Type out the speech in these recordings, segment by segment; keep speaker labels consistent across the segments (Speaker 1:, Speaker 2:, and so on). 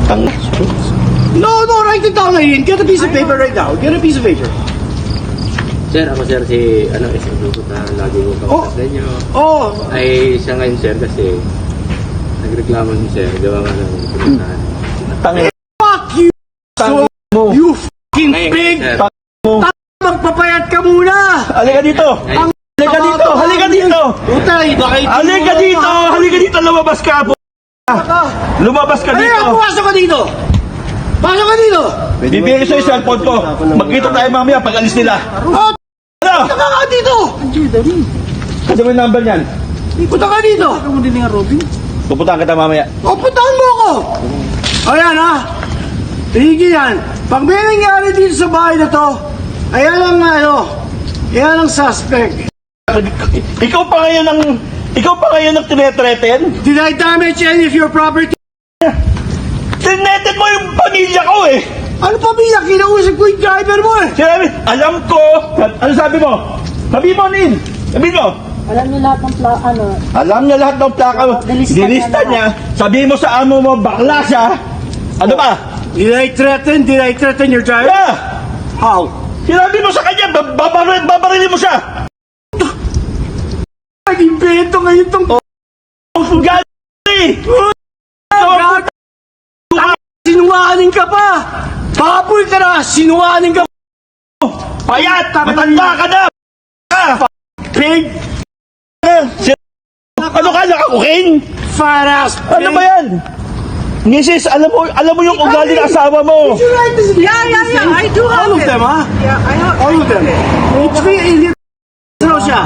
Speaker 1: No, write it down ngayon. Get a piece of paper right now. Get a piece of paper.
Speaker 2: Sir, ako sir si SM Lubot na lagi mo kausap ninyo.
Speaker 1: Oh,
Speaker 2: Ay siya ngayon sir kasi nagreklamo din sir, gawa nga ng pinuntahan.
Speaker 1: fuck you! So, you fucking
Speaker 2: Ngayon,
Speaker 1: pig!
Speaker 2: sir.
Speaker 1: Magpapayat ka muna!
Speaker 3: Halika dito! Halika dito! Halika dito!
Speaker 1: Utay, baka ito.
Speaker 3: Halika dito! Halika dito! Lumabas ka po! Lumabas ka
Speaker 1: Ano
Speaker 3: dito!
Speaker 1: yan? Pumasok ka dito! Pasok ka dito!
Speaker 3: Bibigay ko sa'yo yung cellphone ko. Magkita tayo mamaya pag alis nila.
Speaker 1: Oh,
Speaker 3: Ano?
Speaker 1: punta ka dito!
Speaker 3: Kasi mo yung number niyan.
Speaker 1: Punta ka dito!
Speaker 3: Pupuntahan kita mamaya.
Speaker 1: O, puntahan mo ako! Ayan ha! Tigil yan! Pag may nangyari dito sa bahay na to, ayan ang ayan ang suspect.
Speaker 3: Ikaw pa ngayon ang tinetreten?
Speaker 1: Did I damage any of your property?
Speaker 3: Tineten mo yung pamilya ko eh!
Speaker 1: Ano pa biya? Kinausap ko yung driver mo eh!
Speaker 3: Sinabi, alam ko! Ano sabi mo? Sabi mo, Nin! Sabi mo!
Speaker 4: Alam niyo lahat ng
Speaker 3: Alam niya lahat ng plaka mo. Dilista niya. Sabi mo sa amo mo, bakla siya. Ano ba?
Speaker 1: Did I threaten your driver?
Speaker 3: Yeah!
Speaker 1: How?
Speaker 3: Sinabi mo sa kanya, babarilin mo siya.
Speaker 1: Nag-invento ngayon tong
Speaker 3: Gani!
Speaker 1: sinungaling ka pa! Baboy ka na! Sinungaling ka pa!
Speaker 3: Payat! Matanda ka na!
Speaker 1: Pig!
Speaker 3: Ano ka, nakakukin?
Speaker 1: Fat ass!
Speaker 3: Ano ba yan? Mrs., alam mo yung ugali ng asawa mo.
Speaker 5: Yeah. I do have
Speaker 1: All of
Speaker 5: it.
Speaker 1: them, ha?
Speaker 5: Yeah, I have
Speaker 1: All of them. It's me, ano siya?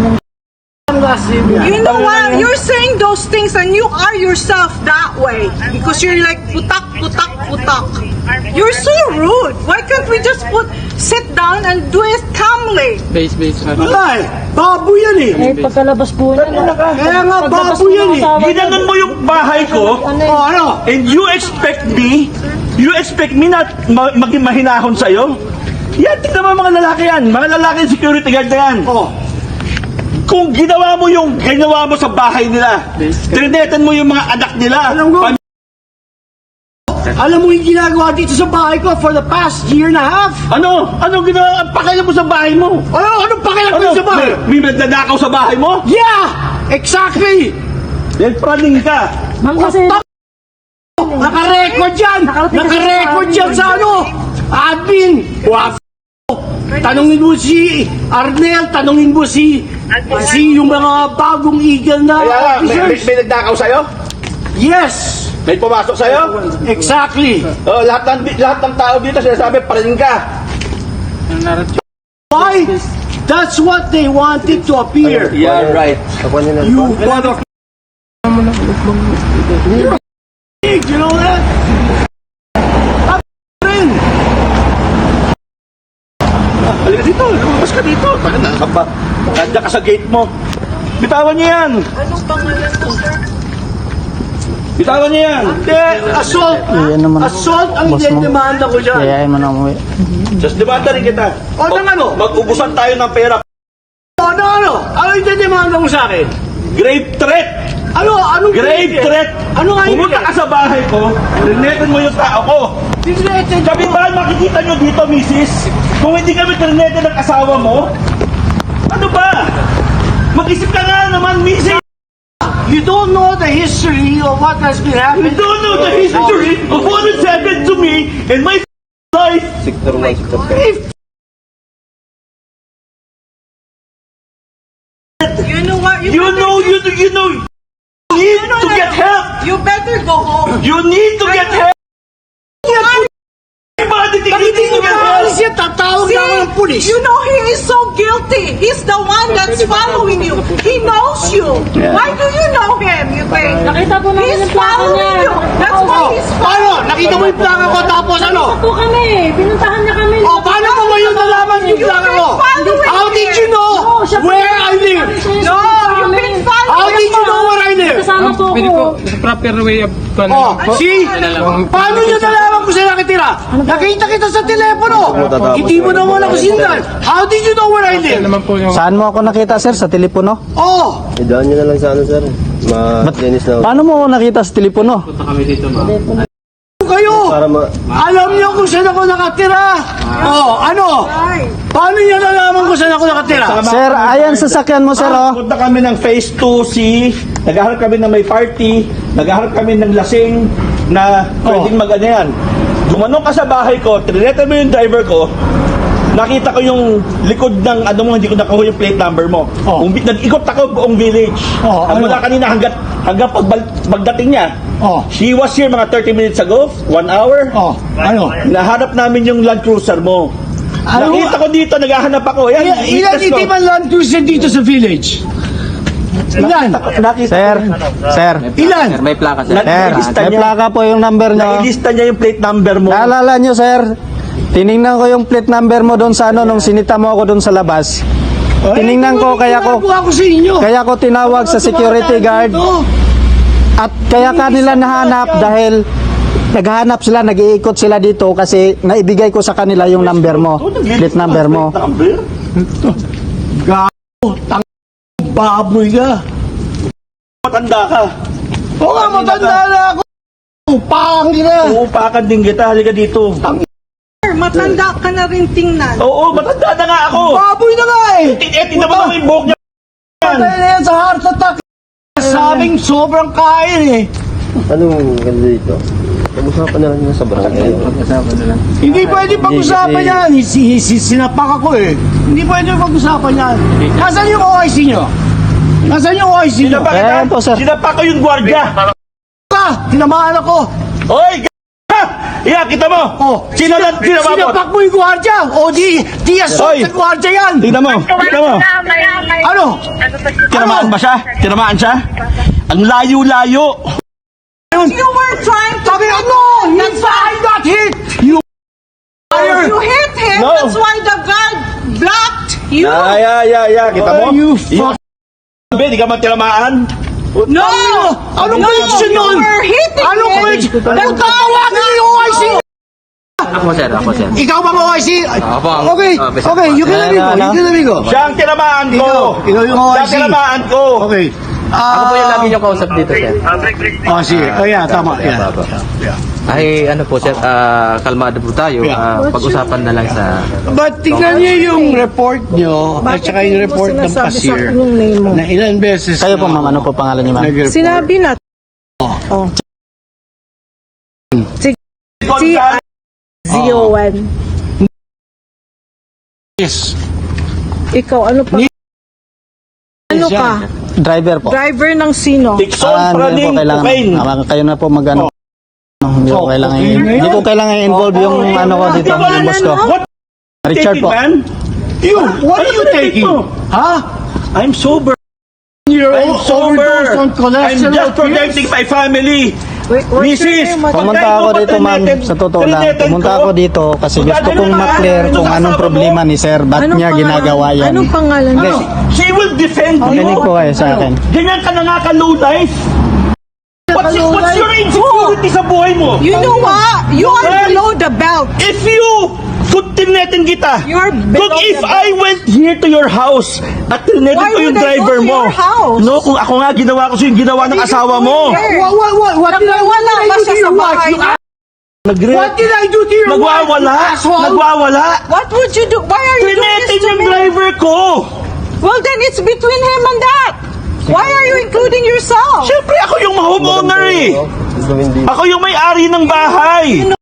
Speaker 5: You know what? You're saying those things and you are yourself that way because you're like putak. You're so rude. Why can't we just sit down and do it calmly?
Speaker 1: Wala eh! Baboy yan eh!
Speaker 4: Eh, pagkalabas po niya,
Speaker 1: Kaya nga baboy yan eh!
Speaker 3: Ginanon mo yung bahay ko,
Speaker 1: Oh, ano?
Speaker 3: and you expect me na maging mahinahon sa'yo? Yan, tignan mo mga lalaki yan. Mga lalaki security guard na yan.
Speaker 1: Oh,
Speaker 3: Kung ginawa mo sa bahay nila, trinetan mo yung mga anak nila.
Speaker 1: alam mo yung ginagawa dito sa bahay ko for the past year and a half?
Speaker 3: Ano ginawa? Ang pakialam mo sa bahay mo?
Speaker 1: Anong pakialam ko sa bahay?
Speaker 3: May nagnanakaw sa bahay mo?
Speaker 1: Yeah! Exactly!
Speaker 3: Then praning ka.
Speaker 4: Ma'am kasi,
Speaker 1: Naka-record yan! Naka-record yan sa admin! Wow! Tanungin mo si Arnel, tanungin mo si yung mga bagong eagle na officers.
Speaker 3: May nagnakaw sa'yo?
Speaker 1: Yes!
Speaker 3: May pumasok sa'yo?
Speaker 1: Exactly!
Speaker 3: Oh, lahat ng tao dito sinasabi, praning ka.
Speaker 1: Why? That's what they wanted to appear.
Speaker 3: Yeah, right.
Speaker 1: You mother... You know that? Rin!
Speaker 3: Halika dito, lumabas ka dito. Nandiyan ka sa gate mo. Bitawan niyo yan.
Speaker 5: Anong pangalan mo, sir?
Speaker 3: Bitawan niyo yan.
Speaker 1: Hindi, assault! Assault ang idedemanda ko dyan.
Speaker 4: ayayin mo na umuwi.
Speaker 3: Just demanda rin kita.
Speaker 1: O, ng ano?
Speaker 3: Mag-ubusan tayo ng pera.
Speaker 1: O, ng ano? Ano idedemanda mo sa akin?
Speaker 3: Grave threat.
Speaker 1: Anong
Speaker 3: Grave threat.
Speaker 1: Ano nga
Speaker 3: Pumunta ka sa bahay ko, rinetan mo yung tao ko. Sabi ba, makikita nyo dito, misis? Kung hindi kami rinetan ng asawa mo, ano ba? Mag-isip ka nga naman, misis.
Speaker 1: You don't know the history of what has been
Speaker 3: You
Speaker 1: happening.
Speaker 3: don't know the history of what has happened to me and my life.
Speaker 5: You know what?
Speaker 3: You know, you need to get help.
Speaker 5: You better go home.
Speaker 3: You need to get help. Bakit hindi to get help?
Speaker 1: Siya, tatawag na ako ng pulis.
Speaker 5: You know he is so guilty. He's the one that's following you. He knows you. Why do you know him, you think?
Speaker 4: Nakita po namin
Speaker 5: He's
Speaker 4: yung plaka
Speaker 5: following
Speaker 4: niya.
Speaker 5: you. That's why he's
Speaker 1: Paano? Nakita mo yung plaka ko tapos ano?
Speaker 4: po kami, pinuntahan niya kami.
Speaker 1: O, paano mo ngayon nalaman yung plaka ko? How did you know where I live?
Speaker 5: No, you've been following
Speaker 1: How did you know where I live?
Speaker 4: Kasama po ko.
Speaker 6: Proper way of
Speaker 1: Oh, see? Paano nyo nalaman kung saan nakitira? Nakita kita sa telepono. Hindi mo naman ako sindan. How did you know where I live?
Speaker 6: naman po yung
Speaker 7: Saan mo ako nakita, sir? Sa telepono?
Speaker 1: Oh,
Speaker 8: Idaan nyo na lang sa ano, sir. Ma-Dennis na.
Speaker 7: Paano mo ako nakita sa telepono?
Speaker 2: Punta kami dito, ma'am.
Speaker 1: kayo Alam niyo kung saan ako nakatira. Oh, ano? Paano niyo nalaman kung saan ako nakatira?
Speaker 7: Sir, ayan sasakyan mo, sir, oh.
Speaker 3: Punta kami ng Phase 2C, naghahanap kami ng may party, naghahanap kami ng lasing na pwedeng mag-ano yan. Gumanong ka sa bahay ko, trinete mo yung driver ko, nakita ko yung likod ng ano mo, hindi ko nakuha yung plate number mo.
Speaker 1: Oh.
Speaker 3: Nag-ikot ako buong village.
Speaker 1: Oh,
Speaker 3: At
Speaker 1: ano?
Speaker 3: mula kanina hanggang pagdating niya.
Speaker 1: Oh.
Speaker 3: She was here mga 30 minutes ago, 1 hour.
Speaker 1: Oh, ano?
Speaker 3: Nahanap namin yung Land Cruiser mo.
Speaker 1: Ano?
Speaker 3: Nakita ko dito, naghahanap ako. Yan,
Speaker 1: Ilan
Speaker 3: witness ko.
Speaker 1: itiban Land Cruiser dito sa village? Ilan?
Speaker 3: Nakita
Speaker 7: Sir, sir.
Speaker 1: Ilan?
Speaker 2: Sir, may plaka, sir.
Speaker 7: Sir,
Speaker 3: Nailista
Speaker 7: may
Speaker 3: niya.
Speaker 7: plaka po yung number nyo.
Speaker 3: Nailista niya yung plate number mo.
Speaker 7: Naalala nyo, sir, tiningnan ko yung plate number mo doon sa ano, nung sinita mo ako doon sa labas. Tiningnan ko, kaya ko
Speaker 1: sa inyo.
Speaker 7: kaya ko tinawag sa security guard at kaya kanila nahanap dahil naghahanap sila, nag-iikot sila dito kasi naibigay ko sa kanila yung number mo, plate number mo.
Speaker 3: Number?
Speaker 1: Gago, baboy ka.
Speaker 3: Matanda ka.
Speaker 1: Oo nga, matanda na ako. Pangin na.
Speaker 3: Uupakan din kita. Halika dito.
Speaker 5: Matanda ka na rin tingnan.
Speaker 3: Oo, matanda na nga ako.
Speaker 1: Baboy na nga eh.
Speaker 3: Tingnan mo naman yung buhok niya.
Speaker 1: Patay na yan sa heart attack. Sabing sobrang kain eh.
Speaker 6: Anong ganda dito? Pag-usapan na lang yun sa barangay.
Speaker 1: Hindi pwede pag-usapan yan. Sinapak ako eh. Hindi pwede pag-usapan yan. Nasaan yung OIC nyo? Nasaan yung OIC nyo?
Speaker 3: Sinapa
Speaker 7: Ayan po, sir.
Speaker 3: Sinapa ko yung gwardiya.
Speaker 1: Ka! Tinamaan ako.
Speaker 3: Oy! Yeah, kita mo.
Speaker 1: Oh,
Speaker 3: Sinapa mo.
Speaker 1: sinapak mo yung gwardya. O di assault
Speaker 3: Oy.
Speaker 1: sa gwardya yan.
Speaker 3: Tingnan mo. Tingnan mo.
Speaker 1: Ano?
Speaker 3: Tinamaan ba siya? Tinamaan siya? Ang layo-layo.
Speaker 5: You were trying to...
Speaker 1: Sabi ano? I got hit. You liar.
Speaker 5: You hit him,
Speaker 3: No.
Speaker 5: that's why the guard blocked you.
Speaker 3: Yeah. Kita mo?
Speaker 1: Oh, you fuck.
Speaker 3: Sabi, di ka man tinamaan?
Speaker 5: No!
Speaker 1: Anong connection
Speaker 5: you
Speaker 1: nun?
Speaker 5: were hitting
Speaker 1: Anong
Speaker 5: him.
Speaker 1: connection? Tawagin niyo yung OIC.
Speaker 2: Ako, sir. Ako, sir.
Speaker 1: Ikaw bang OIC?
Speaker 2: Ako ang-
Speaker 1: Okay,
Speaker 2: basta-
Speaker 1: okay, you can amigo, you can amigo.
Speaker 3: Siya ang tinamaan ko.
Speaker 1: Ikaw yung
Speaker 3: Siya
Speaker 1: OIC.
Speaker 3: ang tinamaan ko.
Speaker 1: Okay.
Speaker 2: Ako po yung lagi niyo kausap dito, sir.
Speaker 1: Oh, sige. Oh, yeah, tama. Yeah.
Speaker 2: Ay, ano po, sir, kalmado po tayo. Pag-usapan na lang sa...
Speaker 1: But tingnan niyo yung report niyo at saka yung report ng cashier na ilan beses
Speaker 7: Kayo po, ma'am, ano po pangalan niyo, ma'am?
Speaker 1: nag-report.
Speaker 4: Sinabi na. Si Zio1.
Speaker 1: Yes.
Speaker 4: Ikaw, ano pa? Ano ka?
Speaker 7: Driver po.
Speaker 4: Driver ng sino?
Speaker 3: Dixon,
Speaker 7: Hindi po
Speaker 3: praning,
Speaker 7: kailangan.
Speaker 3: cocaine.
Speaker 7: Kayo na po mag-ano. Hindi ko kailangan. Hindi ko kailangan i-involve yung ano ko dito, yung boss ko.
Speaker 3: What
Speaker 7: Richard po.
Speaker 3: man?
Speaker 1: You, what are you
Speaker 3: Ano
Speaker 1: taking?
Speaker 3: ito?
Speaker 1: Huh?
Speaker 3: I'm sober.
Speaker 1: You're
Speaker 3: I'm sober.
Speaker 1: overdosed on
Speaker 3: I'm
Speaker 1: cholesterol
Speaker 3: just
Speaker 1: pills?
Speaker 3: protecting my family.
Speaker 4: What's
Speaker 3: Mrs.
Speaker 4: your name?
Speaker 7: Pumunta ako dito, ma'am, sa totoo lang. Pumunta ako dito kasi gusto kong ma-clear kung anong problema ni sir. Ba't
Speaker 4: Anong
Speaker 7: niya
Speaker 4: pangalan?
Speaker 7: ginagawa yan?
Speaker 4: Anong pangalan niya?
Speaker 3: She will defend you.
Speaker 7: Kinig po kayo sa akin.
Speaker 3: Ganyan ka nangaka-low life. What's your insecurity sa buhay mo?
Speaker 5: You know what? You are
Speaker 3: Well,
Speaker 5: below the belt.
Speaker 3: If you could tinetin kita,
Speaker 5: You're
Speaker 3: kung
Speaker 5: below
Speaker 3: if
Speaker 5: the
Speaker 3: I went here to your house at tinetin
Speaker 5: Why
Speaker 3: ko yung
Speaker 5: would I go
Speaker 3: driver
Speaker 5: to
Speaker 3: mo,
Speaker 5: your house?
Speaker 3: no, kung ako nga ginawa ko yung ginawa ng asawa mo.
Speaker 1: What did I
Speaker 5: Wala
Speaker 1: do
Speaker 5: ba
Speaker 1: to
Speaker 5: siya
Speaker 1: your
Speaker 5: sa
Speaker 1: wife?
Speaker 5: bahay
Speaker 1: You
Speaker 5: niya?
Speaker 1: What did I do to your wife?
Speaker 3: Nagwawala.
Speaker 1: you asshole?
Speaker 3: Nagwawala.
Speaker 5: What would you do? Why are you doing
Speaker 3: Tinetin
Speaker 5: this to
Speaker 3: yung
Speaker 5: me?
Speaker 3: driver ko.
Speaker 5: Well, then it's between him and that. Why are you including yourself?
Speaker 3: Siyempre ako yung homeowner eh. Ako yung may-ari ng bahay.